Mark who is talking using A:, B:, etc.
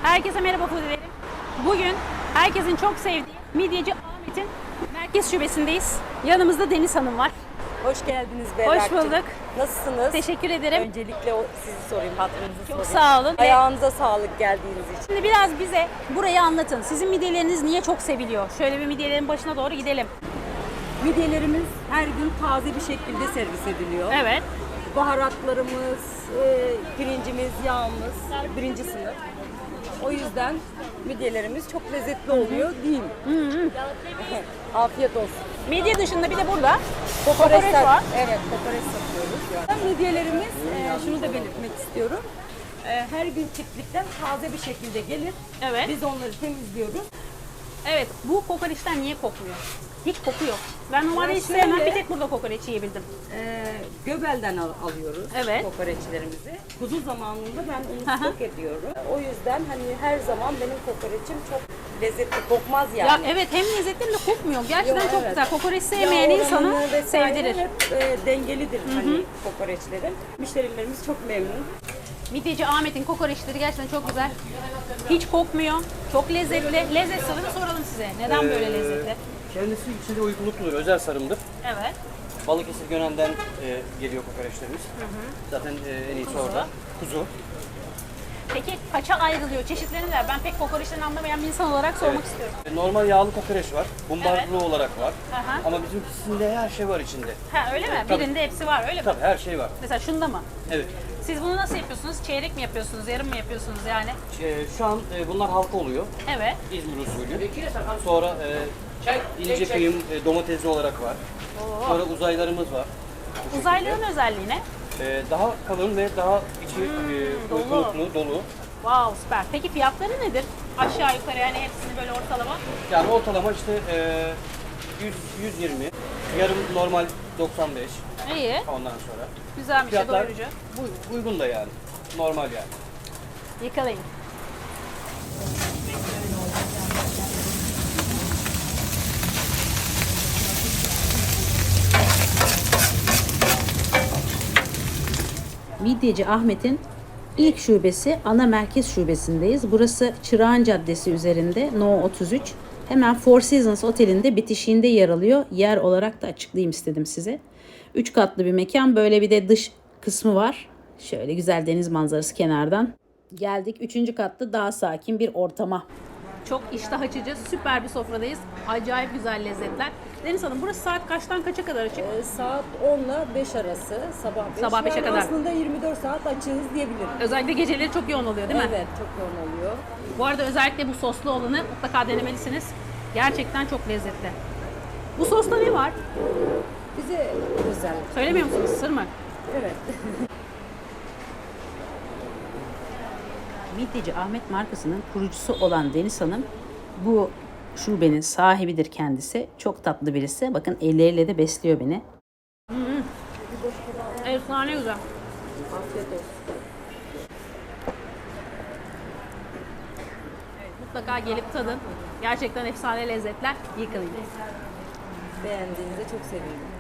A: Herkese merhaba Fudilerim. Bugün herkesin çok sevdiği Midyeci Ahmet'in merkez şubesindeyiz. Yanımızda Deniz Hanım var.
B: Hoş geldiniz Berrak'cığım.
A: Hoş bulduk.
B: Nasılsınız?
A: Teşekkür ederim.
B: Öncelikle sizi sorayım, hatırınızı sorayım.
A: Çok sağ olun.
B: Ayağınıza sağlık geldiğiniz için.
A: Şimdi biraz bize burayı anlatın. Sizin midyeleriniz niye çok seviliyor? Şöyle bir midyelerin başına doğru gidelim.
B: Midyelerimiz her gün taze bir şekilde servis ediliyor.
A: Evet.
B: Baharatlarımız, pirincimiz, yağımız birinci sınıf. O yüzden midyelerimiz çok lezzetli oluyor değil mi? Afiyet olsun.
A: Midye dışında bir de burada kokoreç var.
B: Evet, kokoreç satıyoruz. Midyelerimiz, şunu da belirtmek istiyorum. Her gün çiftlikten taze bir şekilde gelir.
A: Evet.
B: Biz onları temizliyoruz.
A: Evet. Bu kokoreçten niye kokmuyor? Hiç koku yok. Ben normalde
B: Ya
A: hiç sevmem.
B: şöyle-
A: Bir tek burada kokoreç yiyebildim.
B: Göbelden alıyoruz
A: Evet.
B: kokoreçlerimizi. Kuzu zamanında ben
A: Hı
B: onu
A: hı.
B: stok ediyorum. O yüzden hani her zaman benim kokoreçim çok lezzetli, kokmaz
A: Ya
B: yani.
A: evet, hem lezzetli hem de kokmuyor. Gerçekten
B: Yo,
A: çok
B: evet.
A: güzel. Kokoreç
B: Yağ
A: sevmeyen insanı
B: oranı vesaire
A: sevdirir.
B: hep dengelidir hani kokoreçlerin. Müşterilerimiz çok memnun.
A: Midyeci Ahmet'in kokoreçleri gerçekten çok güzel. Hiç kokmuyor. Çok lezzetli. Lezzet sırrını soralım size. Neden böyle lezzetli?
C: Kendisi içinde uygunlukludur, özel sarımdır.
A: Evet.
C: Balıkesir Gönen'den geliyor kokoreçlerimiz. Zaten en iyisi orada. Kuzu.
A: Peki kaça ayrılıyor? Çeşitlerini de ben pek kokoreçten anlamayan bir insan olarak sormak istiyorum.
C: Normal yağlı kokoreç var, bumbarlı olarak var.
A: Aha.
C: Ama bizimkisinde her şey var içinde.
A: Ha öyle mi?
C: Tabii.
A: Birinde hepsi var öyle mi?
C: Tabii her şey var.
A: Mesela şunda mı?
C: Evet.
A: Siz bunu nasıl yapıyorsunuz? Çeyrek mi yapıyorsunuz? Yarım mı yapıyorsunuz yani?
C: Şu an bunlar halka oluyor.
A: Evet.
C: İzmir usulü. Sonra ince kıyım domatesli olarak var. Sonra uzaylarımız var.
A: Uzaylıların özelliği ne?
C: Daha kalın ve daha içi
A: dolu.
C: uygunluklu, dolu.
A: Wow, süper. Peki fiyatları nedir? Aşağı yukarı yani hepsini böyle ortalama.
C: Yani ortalama işte 120, yarım normal 95
A: İyi.
C: ondan sonra.
A: Güzelmiş de
C: Fiyatlar
A: doyurucu.
C: uygun da yani. Normal yani.
A: Yakalayın. Midyeci Ahmet'in ilk şubesi ana merkez şubesindeyiz. Burası Çırağan Caddesi üzerinde No 33. Hemen Four Seasons Oteli'nde bitişiğinde yer alıyor. Yer olarak da açıklayayım istedim size. 3 katlı bir mekan. Böyle bir de dış kısmı var. Şöyle güzel deniz manzarası kenardan. Geldik 3. katta daha sakin bir ortama. Çok iştah açıcı, süper bir sofradayız. Acayip güzel lezzetler. Deniz Hanım, burası saat kaçtan kaça kadar açık?
B: Saat 10 ile 5 arası, sabah 5.
A: Sabah 5'e
B: Yani
A: kadar.
B: aslında 24 saat açığız diyebilirim.
A: Özellikle geceleri çok yoğun oluyor değil mi?
B: Evet, çok yoğun oluyor.
A: Bu arada özellikle bu soslu olanı mutlaka denemelisiniz. Gerçekten çok lezzetli. Bu sosta ne var?
B: Bize özel.
A: Söylemiyor musunuz? Sır mı?
B: Evet.
A: Midyeci Ahmet markasının kurucusu olan Deniz Hanım bu şubenin sahibidir kendisi. Çok tatlı birisi. Bakın elleriyle de besliyor beni. Efsane güzel.
B: Afiyet olsun.
A: Mutlaka gelip tadın. Gerçekten efsane lezzetler. Yıkılayım.
B: Beğendiğinize çok sevindim.